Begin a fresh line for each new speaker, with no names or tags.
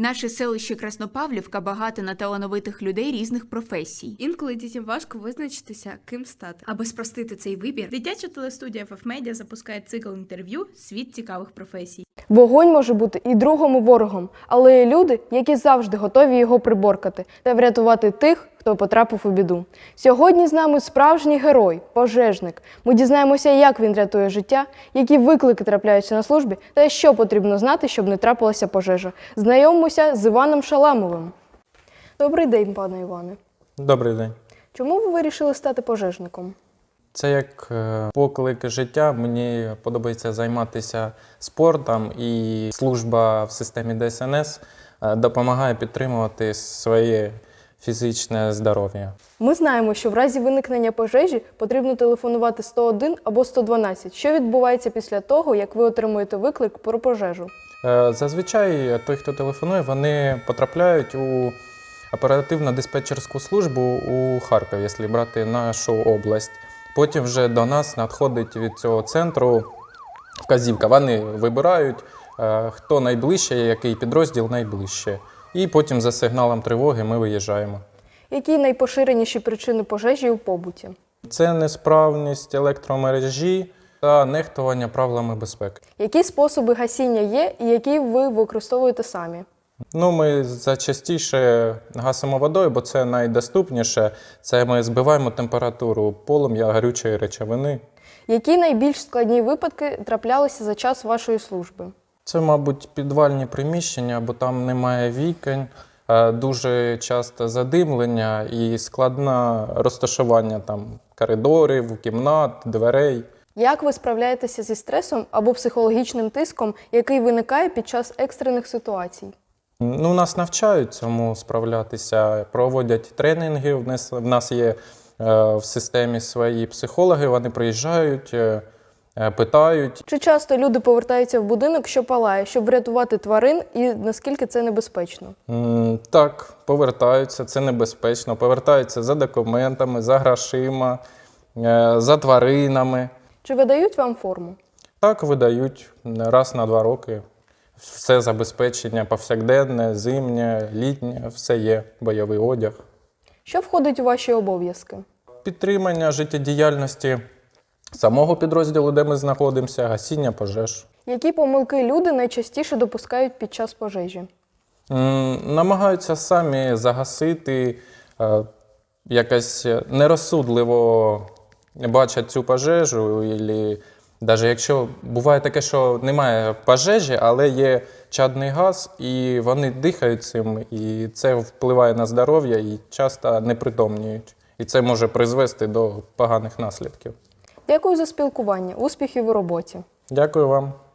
Наше селище Краснопавлівка багато на талановитих людей різних професій.
Інколи дітям важко визначитися, ким стати.
Аби спростити цей вибір, дитяча телестудія FFmedia запускає цикл інтерв'ю «Світ цікавих професій».
Вогонь може бути і другом, і ворогом, але є люди, які завжди готові його приборкати та врятувати тих, хто потрапив у біду. Сьогодні з нами справжній герой – пожежник. Ми дізнаємося, як він рятує життя, які виклики трапляються на службі та що потрібно знати, щоб не трапилася пожежа. Знайомимося з Іваном Шаламовим. Добрий день, пане Іване.
Добрий день.
Чому ви вирішили стати пожежником?
Це як поклик життя. Мені подобається займатися спортом, і служба в системі ДСНС допомагає підтримувати своє фізичне здоров'я.
Ми знаємо, що в разі виникнення пожежі потрібно телефонувати 101 або 112. Що відбувається після того, як ви отримуєте виклик про пожежу?
Зазвичай той, хто телефонує, вони потрапляють у оперативно-диспетчерську службу у Харкові, якщо брати нашу область. Потім вже до нас надходить від цього центру вказівка. Вони вибирають, хто найближче, який підрозділ найближче. І потім за сигналом тривоги ми виїжджаємо.
Які найпоширеніші причини пожежі у побуті?
Це несправність електромережі та нехтування правилами безпеки.
Які способи гасіння є і які ви використовуєте самі?
Ми зачастіше гасимо водою, бо це найдоступніше. Це ми збиваємо температуру полум'я гарючої речовини.
Які найбільш складні випадки траплялися за час вашої служби?
Це, мабуть, підвальні приміщення, бо там немає вікон, дуже часто задимлення і складне розташування там коридорів, кімнат, дверей.
Як ви справляєтеся зі стресом або психологічним тиском, який виникає під час екстрених ситуацій?
Нас навчають цьому справлятися, проводять тренінги. В нас є в системі свої психологи, вони приїжджають, питають.
Чи часто люди повертаються в будинок, що палає, щоб врятувати тварин, і наскільки це небезпечно?
Так, повертаються, це небезпечно. Повертаються за документами, за грошима, за тваринами.
Чи видають вам форму?
Так, видають раз на 2 роки. Все забезпечення повсякденне, зимнє, літнє, все є, бойовий одяг.
Що входить у ваші обов'язки?
Підтримання життєдіяльності самого підрозділу, де ми знаходимося, гасіння пожеж.
Які помилки люди найчастіше допускають під час пожежі?
Намагаються самі загасити, якось нерозсудливо бачать цю пожежу, або навіть якщо буває таке, що немає пожежі, але є чадний газ, і вони дихають цим, і це впливає на здоров'я, і часто непритомніють. І це може призвести до поганих наслідків.
Дякую за спілкування. Успіхів у роботі.
Дякую вам.